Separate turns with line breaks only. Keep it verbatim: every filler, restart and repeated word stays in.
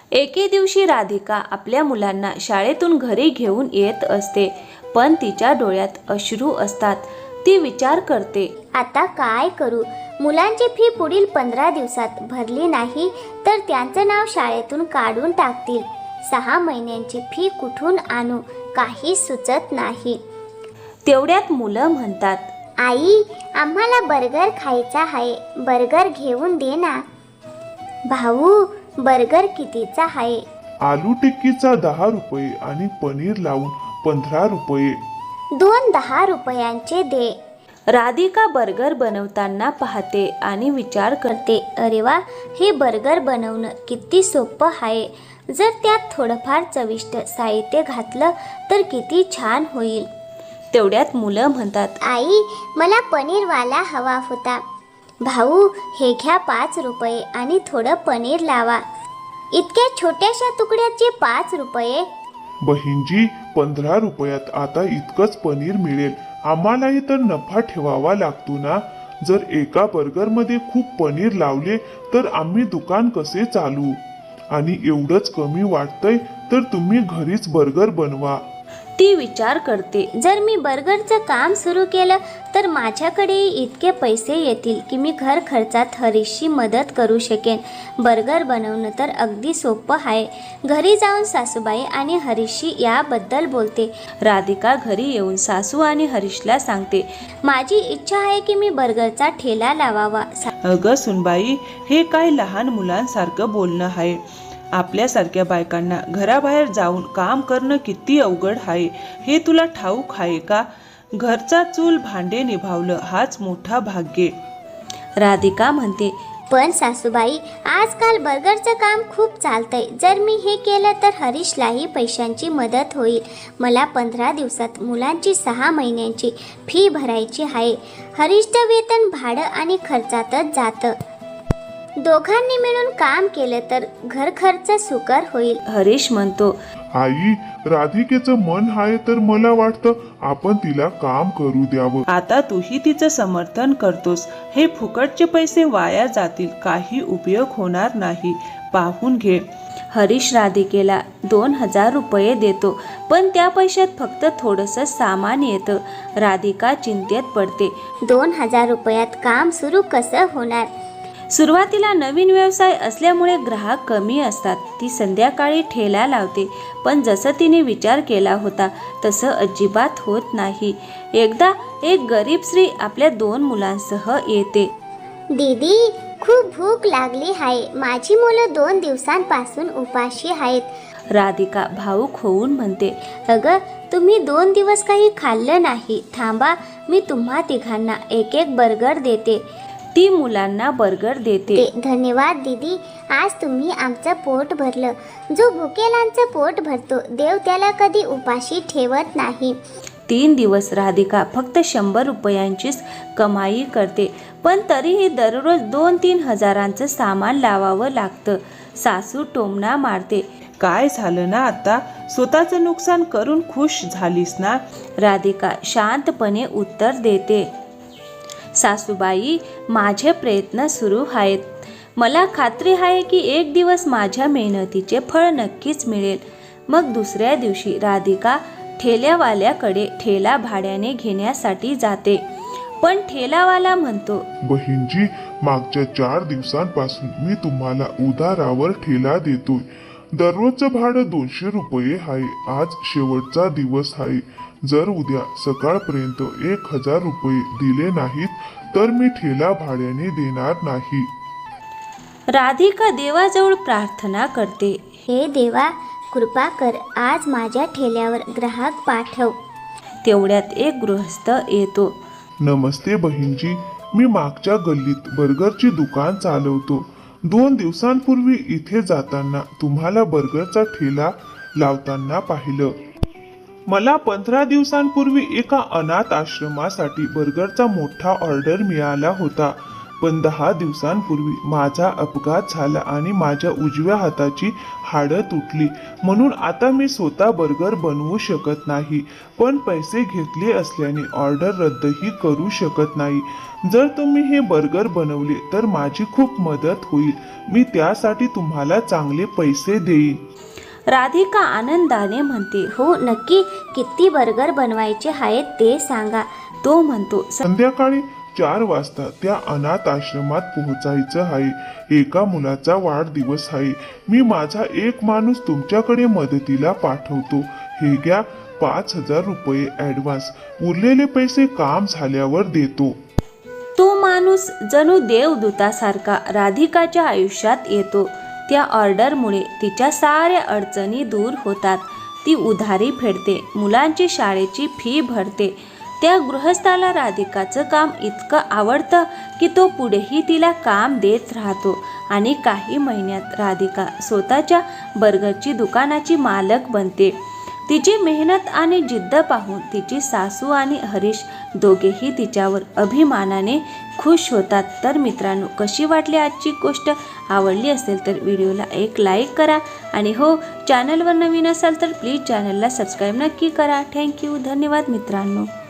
एके दिवशी राधिका आपल्या मुलांना शाळेतून घरी घेऊन येत असते, पण तिच्या डोळ्यात अश्रू असतात. ती विचार करते,
आता काय करू? मुलांची फी पुढील पंधरा दिवसात भरली नाही तर त्यांचं नाव शाळेतून काढून टाकतील. सहा महिन्यांची फी कुठून आणू? काही सुचत नाही.
तेवढ्यात मुलं म्हणतात,
आई, आम्हाला बर्गर खायचा आहे, बर्गर घेऊन दे ना. भाऊ, बर्गर कितीचा आहे?
आलू टिक्कीचा दहा रुपये आणि पनीर लावून पंधरा रुपये.
दोन दहा रुपयांचे दे.
राधिका बर्गर बनवताना पाहते आणि विचार करते,
अरे वा, हे बर्गर बनवणं किती सोपं आहे. जर त्यात थोडंफार चविष्ट साहित्य घातलं तर किती छान होईल.
तेवढ्यात मुलं म्हणतात,
आई, मला पनीरवाला हवा होता. भाऊ, हे घ्या पाच रुपये आणि थोडं पनीर लावा. इतक्या छोट्याशा तुकड्याचे पाच रुपये?
बहीणजी, पंधरा रुपयात आता इतकंच पनीर मिळेल. आम्हालाही तर नफा ठेवावा लागतो ना. जर एका बर्गरमध्ये खूप पनीर लावले तर आम्ही दुकान कसे चालू? आणि एवढंच कमी वाटतंय तर तुम्ही घरीच बर्गर बनवा.
ती विचार करते,
जर मी बर्गरचं काम सुरू केलं तर माझ्याकडे इतके पैसे येतील की मी घर खर्चात हरीशची मदत करू शकेन. बर्गर बनवणं तर अगदी सोपं आहे. घरी जाऊन सासूबाई आणि हरीशशी याबद्दल बोलते.
राधिका घरी येऊन सासू आणि हरीशला सांगते,
माझी इच्छा आहे की मी बर्गरचा ठेला लावावा.
अगं सुनबाई, हे काय लहान मुलांसारखं बोलणं आहे? आपल्यासारख्या बायकांना घराबाहेर जाऊन काम करणं किती अवघड आहे हे तुला ठाऊक आहे का? घरचा चूल भांडे निभावलं हाच मोठा भाग्य.
राधिका म्हणते,
पण सासूबाई, आजकाल बर्गरचं काम खूप चालतंय. जर मी हे केलं तर हरीशलाही पैशांची मदत होईल. मला पंधरा दिवसात मुलांची सहा महिन्यांची फी भरायची आहे. हरीशचं वेतन, भाडं आणि खर्चातच जातं. दोघांनी मिळून काम केलं तर घर खर्च सुकर होईल.
हरीश म्हणतो,
आई, राधिकेचं मन आहे तर मला वाटतं आपण तिला काम करू द्यावं.
आता तूही तिचं समर्थन करतोस. हे फुकटचे पैसे वाया जातील, काही उपयोग होणार नाही. पाहून घे.
हरीश राधिकेला दोन हजार रुपये देतो, पण त्या पैशात फक्त थोडंसं सामान येतं. राधिका चिंतेत पडते.
दोन हजार रुपयात काम सुरू कसं होणार?
सुरुवातीला नवीन व्यवसाय असल्यामुळे ग्राहक कमी असतात. ती संध्याकाळी ठेला लावते, पण जसं तिने विचार केला होता तसं अजिबात होत नाही. एकदा एक गरीब स्त्री आपल्या दोन मुलांसह येते.
दीदी, खूप भूक लागली आहे. माझी मुलं दोन दिवसांपासून उपाशी आहेत.
राधिका भावूक होऊन म्हणते,
अगं, तुम्ही दोन दिवस काही खाल्लं नाही. थांबा, मी तुम्हा तिघांना एक एक बर्गर देते.
ती मुलांना बर्गर देते.
धन्यवाद दीदी, आज तुम्ही आमचं पोट भरलं. जो भुकेलांचं पोट भरतो देव त्याला कधी उपाशी ठेवत नाही.
तीन दिवस राधिका फक्त शंभर रुपयांचीच कमाई करते, पण तरीही दररोज दोन तीन हजारांचं सामान लावावं लागतं. सासू टोमणा मारते.
काय झालं ना आता? स्वतःचं नुकसान करून खुश झालीस ना?
राधिका शांतपणे उत्तर देते, सासूबाई, माझे प्रयत्न सुरू आहेत. मला खात्री आहे की एक दिवस माझ्या मेहनतीचे फळ नक्कीच मिळेल. मग दुसऱ्या दिवशी राधिका ठेल्यावाल्याकडे ठेला भाड्याने घेण्यासाठी जाते, पण ठेलावाला म्हणतो,
बहीणजी, मागच्या चार दिवसांपासून मी तुम्हाला उधारावर ठेला देतोय. दररोजचं भाडं दोनशे रुपये आहे. आज शेवटचा दिवस आहे. जर उद्या सकाळपर्यंत एक हजार रुपये दिले नाहीत तर मी ठेला भाड्याने देणार नाही.
राधिका देवाजवळ प्रार्थना करते,
हे देवा, कृपा कर, आज माझ्या ठेल्यावर ग्राहक पाठव.
तेवढ्यात एक गृहस्थ येतो.
नमस्ते बहीणजी, मी मागच्या गल्लीत बर्गरची दुकान चालवतो. दोन दिवसांपूर्वी इथे जाताना तुम्हाला बर्गरचा ठेला लावताना पाहिलं. मला पंधरा दिवसांपूर्वी एका अनाथ आश्रमासाठी बर्गरचा मोठा ऑर्डर मिळाला होता. पण दहा दिवसांपूर्वी माझा अपघात झाला आणि माझ्या उजव्या हाताची हाडं तुटली, म्हणून आता मी स्वतः बर्गर बनवू शकत नाही. पण पैसे घेतले असल्याने ऑर्डर रद्दही करू शकत नाही. जर तुम्ही हे बर्गर बनवले तर माझी खूप मदत होईल. मी त्यासाठी तुम्हाला चांगले पैसे देईन.
राधिका आनंदाने म्हणते.
हो नक्की, किती बर्गर बनवायचे आहेत ते सांगा.
तो म्हणतो.
संध्याकाळी चार वाजता त्या अनाथ आश्रमात पोहोचायचं आहे. एका मुलाचा वाढदिवस आहे. मी माझा एक माणूस तुमच्याकडे मदतीला पाठवतो. हे घ्या पाच हजार रुपये ऍडव्हान्स. उरलेले पैसे काम झाल्यावर देतो.
तो माणूस जणू देवदूतासारखा राधिकाच्या आयुष्यात येतो. त्या ऑर्डरमुळे तिच्या साऱ्या अडचणी दूर होतात. ती उधारी फेडते, मुलांची शाळेची फी भरते. त्या गृहस्थाला राधिकाचं काम इतकं आवडतं की तो पुढेही तिला काम देत राहतो आणि काही महिन्यात राधिका स्वतःच्या बर्गरची दुकानाची मालक बनते. तिची मेहनत आणि जिद्द पाहून तिची सासू आणि हरीश दोघेही तिच्यावर अभिमानाने खुश होतात. तर मित्रांनो, कशी वाटली आजची गोष्ट? आवडली असेल तर व्हिडिओला एक लाईक करा आणि हो, चॅनलवर नवीन असाल तर प्लीज चॅनलला सबस्क्राईब नक्की करा. थँक्यू. धन्यवाद मित्रांनो.